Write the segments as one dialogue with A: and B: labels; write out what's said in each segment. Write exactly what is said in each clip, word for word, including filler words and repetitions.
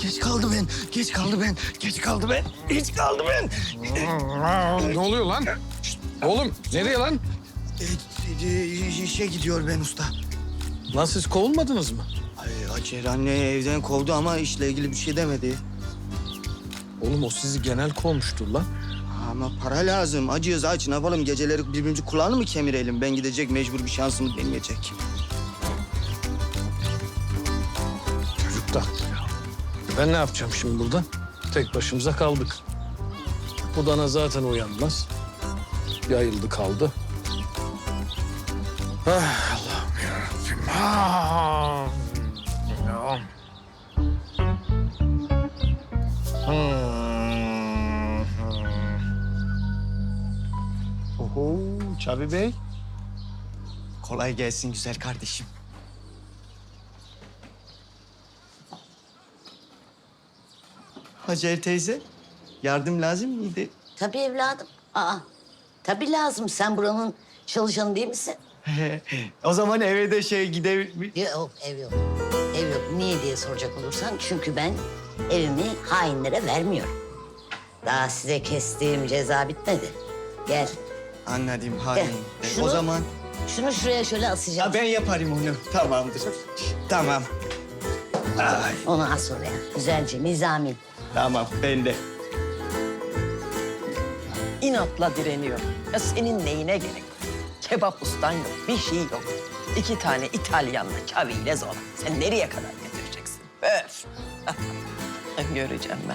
A: geç kaldı ben. Geç kaldı ben. Geç kaldı ben. Geç kaldı ben.
B: Ne oluyor lan? Şişt, oğlum nereye lan?
A: E, e, işe gidiyor ben usta.
B: Lan siz kovulmadınız mı?
A: Ay, Hacer anne evden kovdu ama işle ilgili bir şey demedi.
B: Oğlum o sizi genel kovmuştur lan.
A: Ama para lazım. Acıyız aç. Ne yapalım? Geceleri birbirimizi kulağını mı kemirelim? Ben gidecek, mecbur bir şansımı deneyecek.
B: Çocuk da. Ben ne yapacağım şimdi burada? Tek başımıza kaldık. Bu dana zaten uyanmaz. Yayıldı kaldı. Ah, Allah'ım yarabbim. Ah. Ya. Hmm.
A: Oho, Çabi Bey. Kolay gelsin güzel kardeşim. Hacer teyze, yardım lazım mıydı?
C: Tabii evladım. Aa, tabii lazım. Sen buranın çalışanı değil misin?
A: O zaman eve de şey gider...
C: Yok, ev yok. Ev yok. Niye diye soracak olursan çünkü ben evimi hainlere vermiyorum. Daha size kestiğim ceza bitmedi. Gel.
A: Anladım, hain.
C: Gel.
A: O
C: Şunu-
A: zaman...
C: Şunu şuraya şöyle asacağım.
A: Ha, ben yaparım onu. Tamamdır. Tamam. Ay,
C: Onu as oraya. Güzelce, nizami.
A: tamam, ben de.
D: İnatla direniyor. Ya senin neyine gerek? Kebap ustan yok, bir şey yok. İki tane İtalyanla, çaviyle zor. Sen nereye kadar getireceksin? Öf! Göreceğim ben.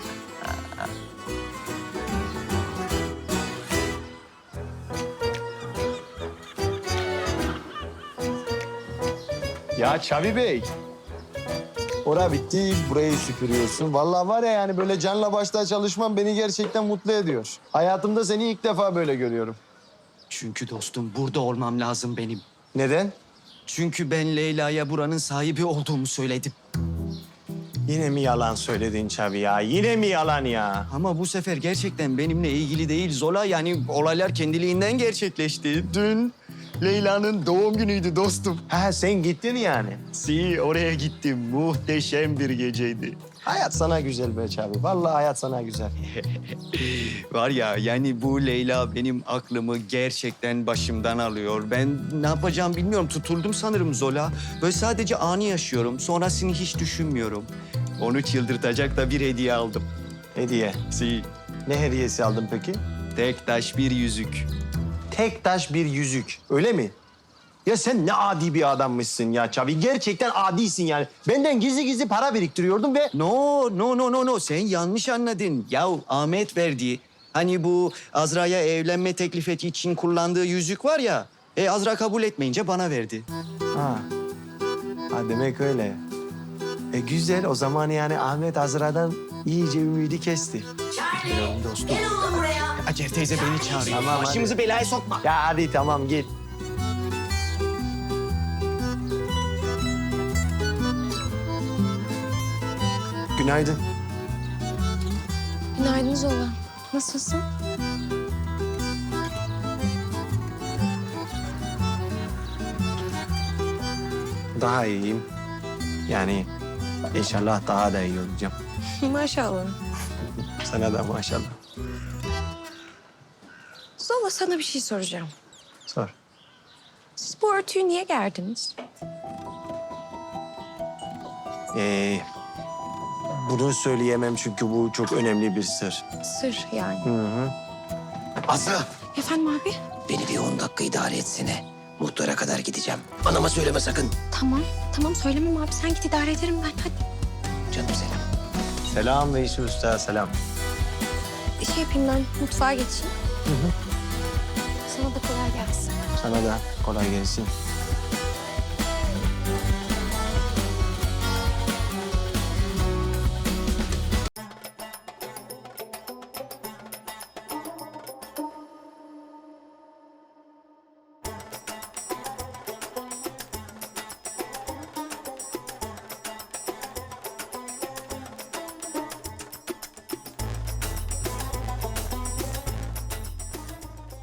E: Ya Çavi Bey. Ora bitti, burayı süpürüyorsun. Vallahi var ya yani böyle canla başla çalışman beni gerçekten mutlu ediyor. Hayatımda seni ilk defa böyle görüyorum.
A: Çünkü dostum burada olmam lazım benim.
E: Neden?
A: Çünkü ben Leyla'ya buranın sahibi olduğumu söyledim.
E: Yine mi yalan söyledin Çavi ya? Yine mi yalan ya?
A: Ama bu sefer gerçekten benimle ilgili değil Zola. Yani olaylar kendiliğinden gerçekleşti. Dün Leyla'nın doğum günüydü dostum.
E: Ha sen gittin yani.
A: Si oraya gittim. Muhteşem bir geceydi.
E: Hayat sana güzel be Çavi. Vallahi hayat sana güzel.
A: Var ya yani bu Leyla benim aklımı gerçekten başımdan alıyor. Ben ne yapacağım bilmiyorum. Tutuldum sanırım Zola. Böyle sadece anı yaşıyorum. Sonrasını hiç düşünmüyorum. Onu çıldırtacak da bir hediye aldım.
E: Hediye.
A: Si
E: Ne hediyesi aldın peki?
A: tek taş bir yüzük.
E: Tek taş bir yüzük. Öyle mi? Ya sen ne adi bir adammışsın ya Çavi. Gerçekten adisin yani. Benden gizli gizli para biriktiriyordun ve...
A: No, no, no, no, no. Sen yanlış anladın. Yahu Ahmet verdi. Hani bu Azra'ya evlenme teklif ettiği için kullandığı yüzük var ya. E Azra kabul etmeyince bana verdi.
E: Ha. Ha demek öyle. E güzel o zaman yani Ahmet Azra'dan iyice ümidi kesti.
A: Biliyorum dostum.
C: Gel oğlum buraya.
A: Hacer teyze beni çağırıyor.
E: Tamam, hadi.
A: Başımızı belaya sokma.
E: Ya hadi tamam git. Günaydın.
F: Günaydın Zola. Nasılsın?
E: Daha iyiyim. Yani inşallah daha da iyi olacağım.
F: Maşallah.
E: Sana da maşallah.
F: Zola sana bir şey soracağım.
E: Sor.
F: Siz bu örtüyü niye gerdiniz?
E: Ee, bunu söyleyemem çünkü bu çok önemli bir sır.
F: Sır yani.
E: Hı hı.
A: Azra.
F: Efendim abi?
G: Beni bir on dakika idare etsene. Muhtara kadar gideceğim. Anama söyleme sakın.
F: Tamam. Tamam söylemem abi. Sen git idare ederim ben. Hadi.
G: Canım selam.
E: Selam Veysi Usta, selam.
F: Bir şey yapayım ben. Mutfağa geçeyim. Sana da kolay gelsin.
E: Sana da kolay gelsin.